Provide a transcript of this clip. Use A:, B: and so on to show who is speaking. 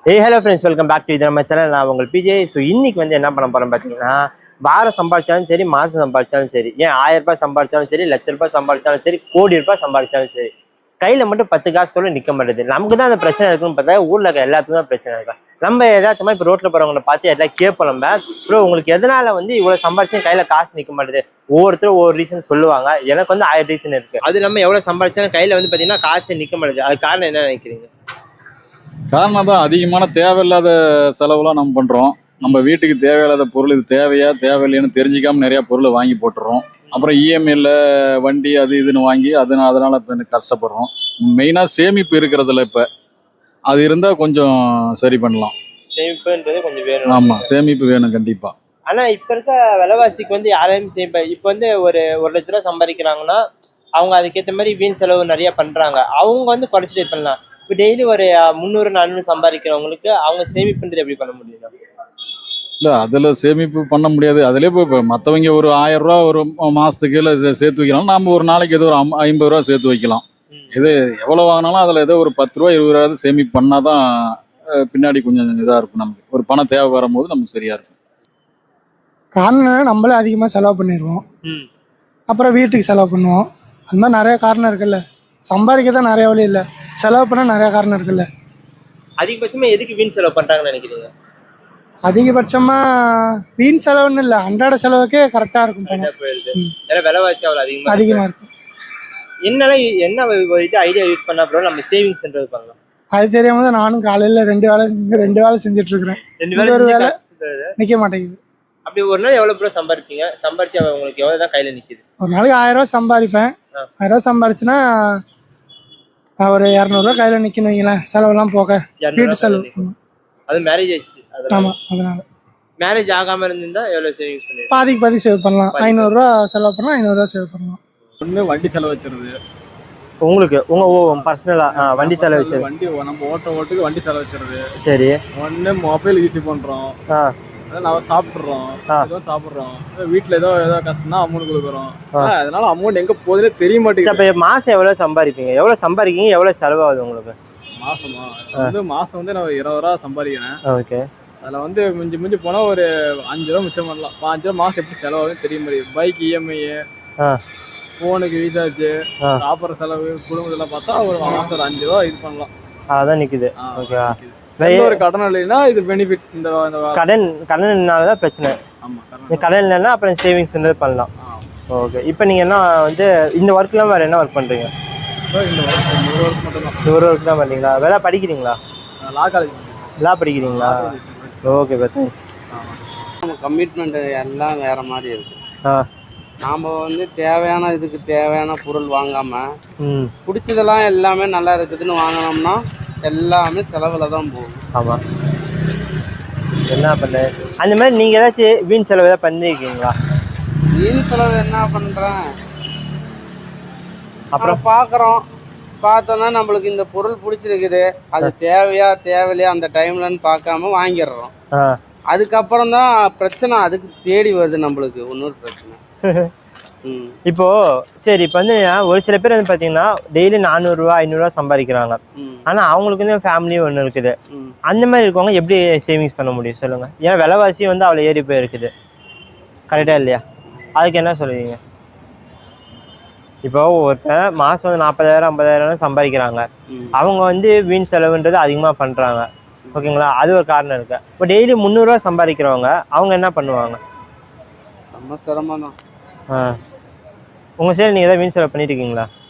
A: Hello friends, welcome back to இது நம்ம channel. நான் உங்கள் பிஜே. ஸோ இன்னைக்கு வந்து என்ன பண்ண போகிறோம் பார்த்தீங்கன்னா, வாரம் சம்பாதிச்சாலும் சரி, மாதம் சம்பாதிச்சாலும் சரி, ஏன் 1000 ரூபாய் சம்பாதிச்சாலும் சரி, லட்ச ரூபாய் சம்பாதிச்சாலும் சரி, கோடி ரூபாய் சம்பாதிச்சாலும் சரி, கையில் மட்டும் 10 காசு கூட நிற்க மாட்டேது. நமக்கு தான் அந்த பிரச்சனை இருக்குன்னு பார்த்தா ஊரில் இருக்க எல்லாத்துக்கும் தான் பிரச்சனை இருக்கா. நம்ம எதாச்சுமா இப்போ ரோட்டில் போகிறவங்களை பார்த்து எல்லாம் கேட்போம். நம்ம ப்ரோ உங்களுக்கு எதனால வந்து இவ்வளோ சம்பாதிச்சும் கையில் காசு நிற்க மாட்டேது? ஒவ்வொருத்தரும் ஒவ்வொரு ரீசன் சொல்லுவாங்க. எனக்கு வந்து 1000 ரீசன் இருக்குது. அது நம்ம எவ்வளோ சம்பாதிச்சாலும் கையில் வந்து பார்த்தீங்கன்னா காசு நிற்க மாட்டேது. அது காரணம் என்ன நினைக்கிறீங்க?
B: காரணம் தான் அதிகமான தேவையில்லாத செலவுலாம் நம்ம பண்ணுறோம். நம்ம வீட்டுக்கு தேவையில்லாத பொருள் இது தேவையா தேவையில்லைன்னு தெரிஞ்சிக்காமல் நிறையா பொருளை வாங்கி போட்டுறோம். அப்புறம் இஎம்ஐயில் வண்டி அது இதுன்னு வாங்கி அதனால் இப்போ எனக்கு கஷ்டப்படுறோம். மெயினாக சேமிப்பு இருக்கிறதுல இப்போ அது இருந்தால் கொஞ்சம் சரி பண்ணலாம்.
A: சேமிப்புன்றது கொஞ்சம் வேணும்.
B: ஆமாம், சேமிப்பு வேணும் கண்டிப்பாக.
A: ஆனால் இப்போ இருக்க விலைவாசிக்கு வந்து யாரையும் சேமிப்பா. இப்போ வந்து ஒரு 1 லட்ச ரூபா சம்பாதிக்கிறாங்கன்னா அவங்க அதுக்கேற்ற மாதிரி வீண் செலவு நிறைய பண்ணுறாங்க. அவங்க வந்து குறைச்சிட்டு பண்ணலாம். இப்போ டெய்லி ஒரு 300 400 சம்பாதிக்கிறவங்களுக்கு அவங்க சேமிப்புன்றது எப்படி பண்ண முடியும்?
B: இல்லை, அதில் சேமிப்பு பண்ண முடியாது. அதிலே இப்போ மற்றவங்க ஒரு 1000 ரூபா ஒரு மாதத்துக்கு சேர்த்து வைக்கலாம். நாம் ஒரு நாளைக்கு ஏதோ ஒரு 50 ரூபா சேர்த்து வைக்கலாம். இது எவ்வளோ வாங்கினாலும் அதில் ஏதோ ஒரு 10 ரூபா 20 ரூபாவது சேமிப்பு பண்ணால் தான் பின்னாடி கொஞ்சம் இதாக இருக்கும். நமக்கு ஒரு பணம் தேவை வரும்போது நமக்கு சரியாக இருக்கும்.
C: காரணம் நம்மளே அதிகமாக செலவு பண்ணிடுவோம், அப்புறம் வீட்டுக்கு செலவு பண்ணுவோம். அது மாதிரி நிறைய காரணம் இருக்குல்ல. சம்பாதிக்க தான் நிறைய வழி இல்லை, செலவு பண்ண நிறைய காரணம் இருக்குல்ல.
A: அதிகபட்சமாக எதுக்கு வீண் செலவு பண்ணுறாங்கன்னு நினைக்கிறீங்க?
C: அதிகபட்சமாக வீண் செலவுன்னு இல்லை, அன்றாட செலவுக்கே கரெக்டாக இருக்கும்.
A: விலைவாசி அவ்வளோ
C: அதிகமாக இருக்கும்.
A: என்ன இது ஐடியா யூஸ் பண்ணா அப்புறம் நம்ம சேவிங்ஸ்ன்றது பண்ணலாம்?
C: அது தெரியாம தான் நானும் காலையில் 2 வேலை செஞ்சுட்டு இருக்கிறேன். ஒரு வேலை நிற்க மாட்டேங்குது.
A: அப்படி ஒரு நாள் எவ்வளோ ரூபா சம்பாதிப்பீங்க? சம்பாரிச்சு உங்களுக்கு எவ்வளோ தான் கையில் நிற்கிது?
C: ஒரு நாளைக்கு 1000 ரூபா சம்பாதிப்பேன். 1000 ரூபா சம்பாரிச்சுன்னா ஒரு 200 ரூபா கையில் நிற்கணும் வைங்களேன், செலவெல்லாம் போக. வீட்டு செலவு.
A: அது மேரேஜ் ஆயிடுச்சு.
C: ஆமாம், அதனால
A: மேரேஜ் ஆகாமல் இருந்திருந்தா எவ்வளோ சேவிங்ஸ் பண்ணுவீங்க?
C: பாதி சேவ் பண்ணலாம். 500 ரூபா செலவு பண்ணலாம், 500 ரூபா சேவ் பண்ணலாம்.
B: ஒன்று வண்டி செலவு வச்சுருது
A: உங்களுக்கு உங்கள் பர்சனலாக வண்டி செலவு வச்சு
B: வண்டி நம்ம ஓட்டுக்கு வண்டி செலவு வச்சுருது.
A: சரி.
B: ஒன்று மொபைல் யூஸ் பண்ணுறோம், நம்ம சாப்பிட்றோம், சாப்பிட்றோம். வீட்டில் ஏதோ கஷ்டம்னா அமௌண்ட் கொடுக்குறோம். அதனால அமௌண்ட் எங்கே போகுதுன்னே தெரிய மாட்டேங்குது.
A: இப்போ மாதம் எவ்வளோ சம்பாதிப்பீங்க? எவ்வளோ சம்பாதிக்கீங்க? எவ்வளோ செலவாகுது உங்களுக்கு
B: மாதமா? மாதம் வந்து நான் 20 ரூபா சம்பாதிக்கிறேன்.
A: ஓகே.
B: அதில் வந்து மிஞ்சி போனால் ஒரு 5 ரூபா மிச்சம் பண்ணலாம். 5 ரூபா மாதம் எப்படி செலவாகுதுன்னு தெரிய முடியும். பைக் இஎம்ஐ, ஃபோனுக்கு ரீசார்ஜ், சாப்பிட்ற செலவு, குடும்பத்தில் பார்த்தா ஒரு மாதம் ஒரு 5 ரூபா இது பண்ணலாம்.
A: அதான் நிற்குது. ஓகேவா?
B: ஒரு கடன் இல்லைன்னா இது பெனிஃபிட். இந்த
A: கடன்னாலதான் பிரச்சனை. கடன் இல்லைன்னா அப்புறம் சேவிங்ஸ் பண்ணலாம். ஓகே. இப்போ நீங்கள் என்ன வந்து இந்த ஒர்க்லாம் வேறு என்ன ஒர்க் பண்ணுறீங்க? ஒரு ஒர்க் தான் பண்ணுறீங்களா? வேலை படிக்கிறீங்களா? லா படிக்கிறீங்களா? Okay, thanks.
D: கமிட்மெண்ட் எல்லாம் வேற மாதிரி இருக்கு. நாம வந்து தேவையான இதுக்கு தேவையான பொருள் வாங்காம பிடிச்சதெல்லாம் எல்லாமே நல்லா இருக்குதுன்னு வாங்கினோம்னா எல்லாமே செலவுல தான் போகும்.
A: ஆமாம். என்ன பண்ண அந்த மாதிரி நீங்கள் ஏதாச்சும் வீண் செலவு ஏதாவது பண்ணியிருக்கீங்களா?
D: வீண் செலவு என்ன பண்ணுறேன், அப்புறம் பார்க்குறோம், பார்த்தோன்னா நம்மளுக்கு இந்த பொருள் பிடிச்சிருக்குது, அது தேவையா தேவையில்லையா அந்த டைம்லன்னு பார்க்காம வாங்கிடுறோம். அதுக்கப்புறம் தான் பிரச்சனை அதுக்கு தேடி வருது நம்மளுக்கு இன்னொரு பிரச்சனை.
A: இப்போ சரி, இப்போ வந்து ஒரு சில பேர் வந்து பார்த்தீங்கன்னா டெய்லி 400 ரூபா 500 ரூபா சம்பாதிக்கிறாங்க. ஆனால் அவங்களுக்கு வந்து ஃபேமிலியும் ஒன்று இருக்குது. அந்த மாதிரி இருக்கவங்க எப்படி சேவிங்ஸ் பண்ண முடியும் சொல்லுங்கள்? ஏன்னா விலைவாசி வந்து அவ்வளோ ஏறி போயிருக்குது. கரெக்டாக இல்லையா? அதுக்கு என்ன சொல்லுவீங்க? இப்போ ஒருத்தர் மாதம் வந்து 40,000 50,000 சம்பாதிக்கிறாங்க. அவங்க வந்து வீண் செலவுன்றது அதிகமாக பண்ணுறாங்க. ஓகேங்களா? அது ஒரு காரணம் இருக்குது. இப்போ டெய்லி 300 ரூபா சம்பாதிக்கிறவங்க அவங்க என்ன பண்ணுவாங்க?
D: ரொம்ப சிரமம் தான்.
A: உங்கள் சைடு நீங்கள் எதாவது வீண் செலவு பண்ணிட்டு இருக்கீங்களா?